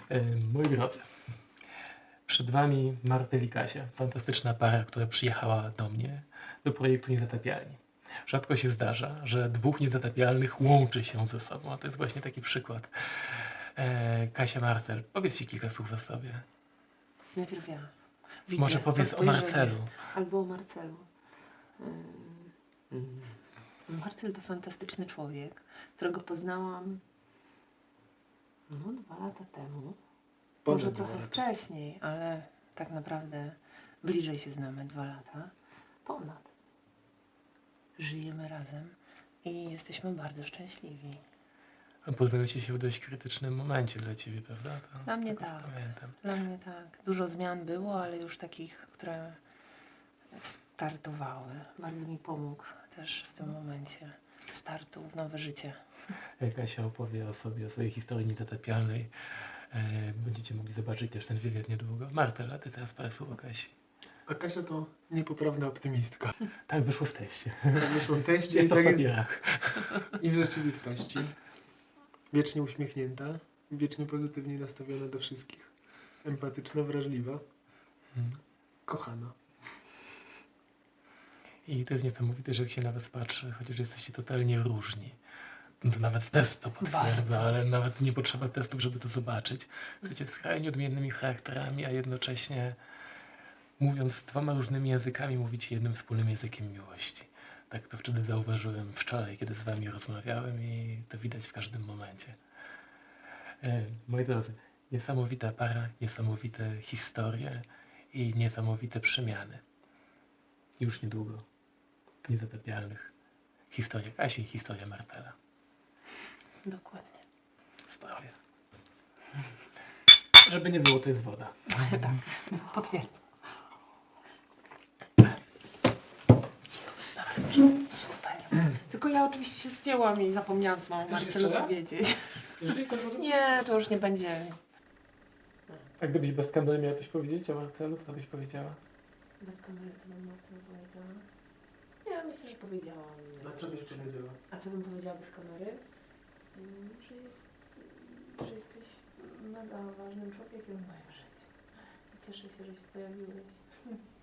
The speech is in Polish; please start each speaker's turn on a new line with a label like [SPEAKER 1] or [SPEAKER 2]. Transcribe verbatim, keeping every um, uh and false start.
[SPEAKER 1] E, Moi drodzy, przed Wami Martel i Kasia, fantastyczna para, która przyjechała do mnie do projektu Niezatapialni. Rzadko się zdarza, że dwóch niezatapialnych łączy się ze sobą, a to jest właśnie taki przykład. E, Kasia, Marcel, powiedzcie kilka słów o sobie.
[SPEAKER 2] Najpierw ja. Widzę
[SPEAKER 1] Może
[SPEAKER 2] to
[SPEAKER 1] powiedz o
[SPEAKER 2] spojrzenie.
[SPEAKER 1] Marcelu.
[SPEAKER 2] Albo o Marcelu. Ym, Marcel to fantastyczny człowiek, którego poznałam no, dwa lata temu.
[SPEAKER 3] Ponad
[SPEAKER 2] Może
[SPEAKER 3] dwa
[SPEAKER 2] trochę
[SPEAKER 3] lata.
[SPEAKER 2] wcześniej, ale tak naprawdę bliżej się znamy dwa lata. Ponad. Żyjemy razem i jesteśmy bardzo szczęśliwi.
[SPEAKER 1] Poznaliście się w dość krytycznym momencie dla Ciebie, prawda? To,
[SPEAKER 2] Dla mnie
[SPEAKER 1] z tego, co
[SPEAKER 2] tak.
[SPEAKER 1] Pamiętam.
[SPEAKER 2] Dla mnie tak. Dużo zmian było, ale już takich, które startowały. Bardzo mi pomógł też w tym momencie startu w nowe życie.
[SPEAKER 1] Kasia opowie o sobie, o swojej historii niezatapialnej. E, Będziecie mogli zobaczyć też ten wywiad niedługo. Martel, a Ty teraz parę słów o Kasi.
[SPEAKER 3] A Kasia to niepoprawna optymistka.
[SPEAKER 1] Tak wyszło w teście.
[SPEAKER 3] Tak wyszło w teście i
[SPEAKER 1] Jest to
[SPEAKER 3] tak
[SPEAKER 1] w
[SPEAKER 3] jest
[SPEAKER 1] papierach.
[SPEAKER 3] i w rzeczywistości. Wiecznie uśmiechnięta, wiecznie pozytywnie nastawiona do wszystkich. Empatyczna, wrażliwa,
[SPEAKER 1] Mhm.
[SPEAKER 3] kochana.
[SPEAKER 1] I to jest niesamowite, że jak się na Was patrzy, chociaż jesteście totalnie różni. No to nawet test to potwierdza,
[SPEAKER 2] Bardzo.
[SPEAKER 1] ale nawet nie potrzeba testów, żeby to zobaczyć. Jesteście skrajnie odmiennymi charakterami, a jednocześnie mówiąc dwoma różnymi językami, mówicie jednym wspólnym językiem miłości. Tak to wtedy zauważyłem wczoraj, kiedy z Wami rozmawiałem i to widać w każdym momencie. E, moi drodzy, niesamowita para, niesamowite historie i niesamowite przemiany. Już niedługo w Niezatapialnych. Historia Kasi i historia Martela.
[SPEAKER 2] Dokładnie.
[SPEAKER 1] Zdrowie. Żeby nie było, to jest woda.
[SPEAKER 2] Tak, potwierdzam. Super. Tylko ja oczywiście się spięłam i zapomniałam, co mam
[SPEAKER 1] Chcesz
[SPEAKER 2] Marcelu
[SPEAKER 1] jeszcze raz?
[SPEAKER 2] powiedzieć.
[SPEAKER 1] Jeżeli to może...
[SPEAKER 2] Nie, to już nie będzie.
[SPEAKER 1] A gdybyś bez kamery miała coś powiedzieć o Marcelu, co byś powiedziała?
[SPEAKER 2] Bez kamery, co bym Marcelu powiedziała? Nie, myślę, że powiedziałam.
[SPEAKER 3] A co byś powiedziała?
[SPEAKER 2] A co bym powiedziała bez kamery? Mm, Że, jest, że jesteś mega ważnym człowiekiem w moim życiu. I cieszę się, że się pojawiłeś.